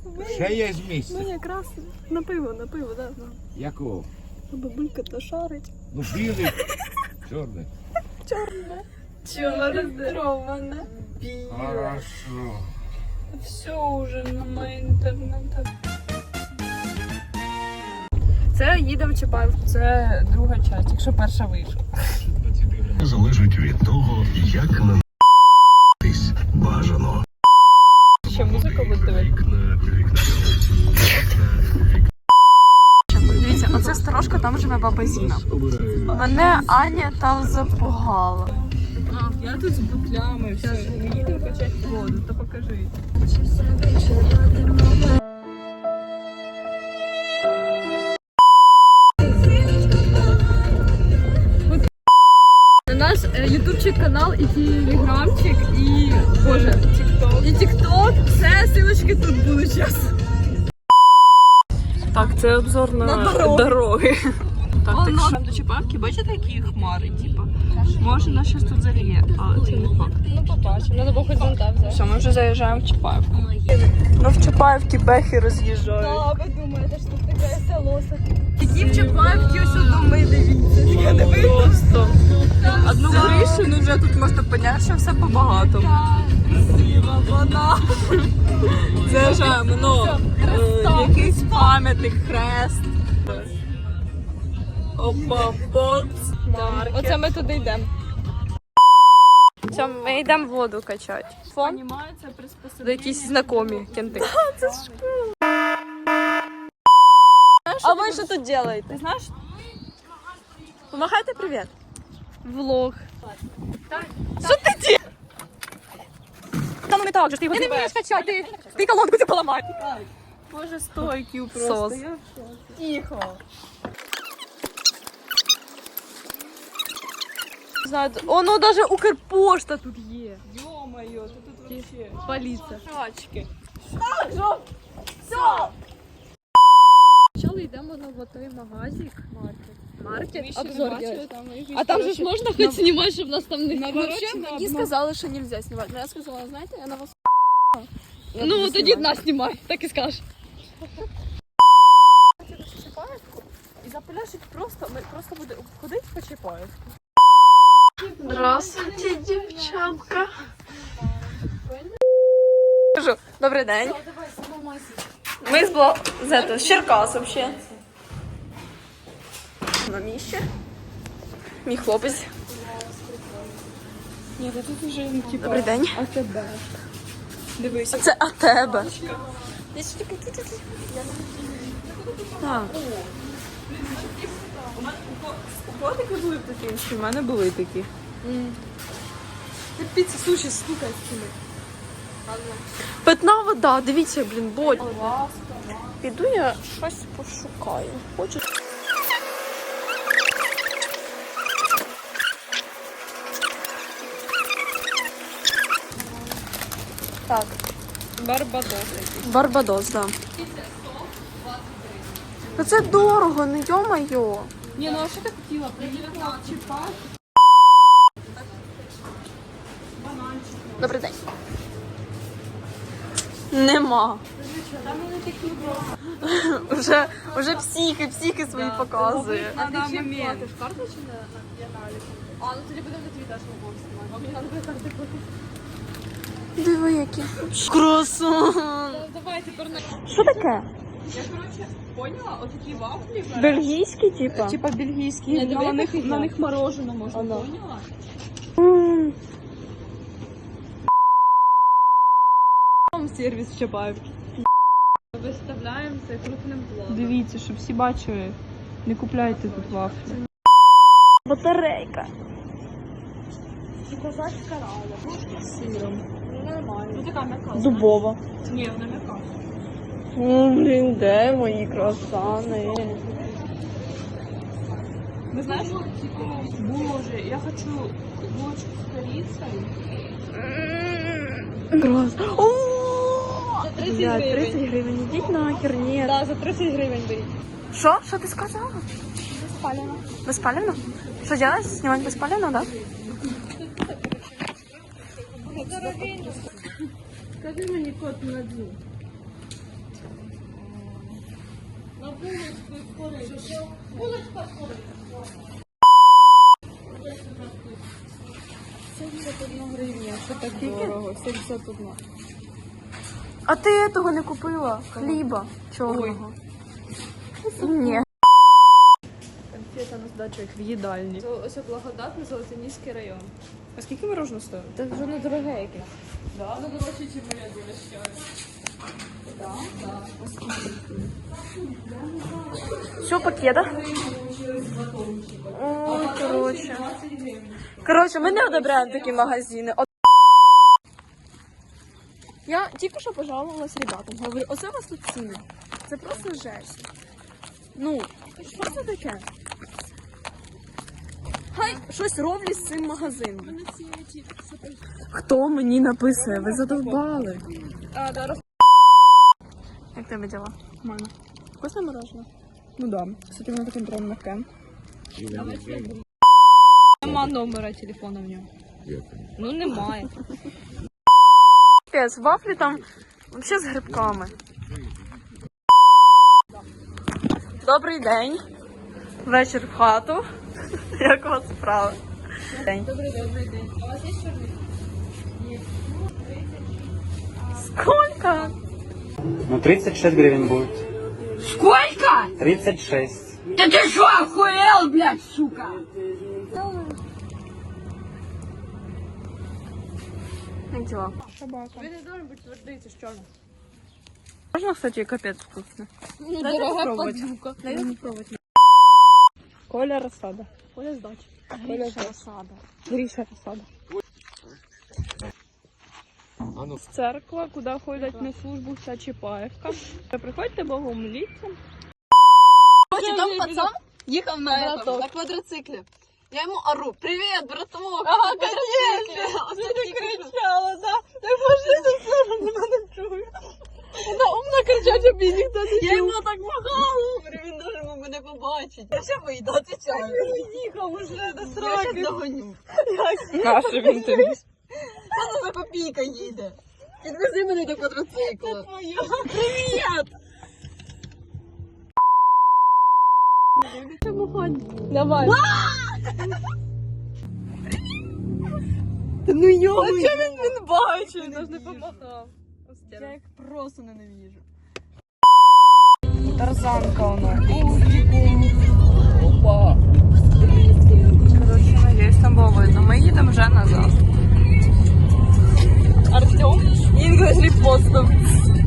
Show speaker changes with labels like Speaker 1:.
Speaker 1: Ще є місце.
Speaker 2: Ну якраз на пиво, да.
Speaker 1: Якого?
Speaker 2: Бабулька то шарить.
Speaker 1: Ну білий. Чорний.
Speaker 2: Чорне. Чорне. Біле.
Speaker 1: Хорошо.
Speaker 2: Все уже на інтернеті. Це їдемо в Чапаївку, це друга частина, якщо перша вийшла.
Speaker 3: Залежить від того, як на***тись бажано.
Speaker 2: Ще музика буде дивитися. Дивіться, оце сторожка, там живе баба Зіна. Мене Аня там запугала. Я тут з бутлями, все, ми їдемо качати воду, то покажи. У нас ютубчик канал і телеграмчик, і боже, тікток. І тікток, все, ссылочки тут будуть зараз. Так, це обзор на дороги. Так, так до Чапаївки, бачите, які хмари, типу. Може, нас зараз тут заліє, але це не факт. Ну, побачимо, треба було хоч зонта взяти. Все, ми вже заїжджаємо в Чапаївку. Ну, в Чапаївці бехи роз'їжджають. Так, ви думаєте, що тут таке село. Такі в Чапаївці ось доми, дивіться. Таке не просто. Одну кришу, ну вже тут можна поняти, що все по-багатому. Красива вода. Заїжджаємо, ну, якийсь пам'ятник, хрест. Опа, маркет. Оце ми туди йдемо. Все, ми йдемо воду качати. Фон? До якісь знайомі кенти. Це ж круто. А ви що тут робите? Ти знаєш? Помахайте привіт. Влог. Що ти робиш? Та ну не так же, ти його не вмієш качати. Ти колонку цю поламай. Боже, стойків просто. Тихо. Знаю, ну даже Укрпошта тут є. Ё-моё, тут вообще поліція. Шачки. Так, все. Спочатку йдемо на готовий магазик. Маркет. Обзор делать. А там же ж можна хоч знімати, щоб нас там не вообще. Мені сказали, що нельзя знімати. Но я сказала, знаєте, я на вас ну, тоді нас знімай, так і скажеш. І запиляшить просто, ми просто будемо ходити по Чапаївку. Здравствуйте, дівчатка. Кажу, добрий день. Ми з Черкас вообще. На місці. Мій хлопець. Ні, тут вже не типу. Добрий день. АТБ. Дивися. Це АТБ. Так. У котики були такі інші, в мене були такі. Піца, суші, слухай, скину. Питна вода, дивіться, блін, боль. Піду я щось пошукаю. Хочу. Так. Барбадос. Барбадос, так. Да. Ну це дорого, не йо-моє. Ні, ну а що ти хотіла? Приїхала в Чапаївку. Добрий день. Нема. Уже психи свої показує. А ти чим платиш? Карта чи на налік? А, ну тоді будемо на твій теж мобов знімати. А мені треба буде карти платити. Диви, які. Круасан. Давай тепер на... Що таке? Я, коротше, поняла, отакі вафлі. Бельгійські, типа? Типа бельгійські. На них мороженое можна, поняла? Сервіс в Чапаївці. Виставляємо це крупним планом. Дивіться, щоб всі бачили. Не купляйте тут вафлі. Батарейка. І козацька рада. З сиром. Нормально. Ну така м'яка. Дубова. Ні, вона м'яка. Блін, де мої круасани? Ви знаєш, боже, я хочу булочку з корицею. Круасан. За 30 гривень. 30 гривень. Ідіть нахер, ні. Так, за 30 гривень беріть. Що? Що ти сказала? Безпалено. Безпалено? Що робити? Знімати безпалено, так? Скажи мені код на дзю. Що так дорого? 71. А ти того не купила? Хліба чорного? Ні. Конфета на здачу як в їдальні. Це ось благодатний Золотоніський район. А скільки мороженого стоїть? Це вже не дороге якесь. Да? Ну, дорожче, ніж моя дорожча. Що, пакета? Ой, коротше, ми не одобряємо такі магазини. Я тільки що пожалувалась ребятам. Говорю, оце у вас тут ціни. Це просто жесть. Ну, що це таке? Хай щось роблять з цим магазином. Хто мені написує? Ви задовбали. Як тебе діла? Нормально. Вкусне мороженое? Ну да. Кстати, воно таке прям мягке. Нема номера телефона в ньому. Ну немає. Пес, вафлі там взагалі з грибками. Добрий день. Вечір в хату. Як у вас справи? Добрий день. А у вас є чорний? Ні. Сколько?
Speaker 4: Ну, 36 гривен будет.
Speaker 5: Сколько?
Speaker 4: 36.
Speaker 5: Да ты что, охуел, блядь, сука?
Speaker 2: Як діла? Собака. Він не должен бути твердий, це ж чорно. Можна, кстати, капець вкусно. Ну, дорога подзюка. Дай попробувати. Коля розсада. Коля здача. Гріша розсада. Гріша розсада. Церква, куди ходять на службу вся Чапаєвка. Приходьте богомоліться.
Speaker 6: Там пацан їхав на квадроциклі. Я йому ору: привіт, браток!
Speaker 2: Ага, конечно! Ти кричала, да? Ти пошли за це, мене чую. Вона умна кричать, щоб її ніхто не чув.
Speaker 6: Я йому так махала, говорю, він дуже мене побачить. Я ще вийду, отвечаю.
Speaker 2: Їхав уже до
Speaker 6: Я
Speaker 2: сроки.
Speaker 6: ще догоню.
Speaker 2: Каша він тобі.
Speaker 6: Вона за копійка їде. Підвези мене до квадроцикла.
Speaker 2: Привіт! Давай.
Speaker 6: Ну йо!
Speaker 2: А чого він бачить? Він ж не помахав.
Speaker 6: Я їх просто ненавижу.
Speaker 2: Тарзанка воно. Опа. Короче, надіюсь, там було видно. Ми їдемо вже назад. Артем? Інглиш репостом.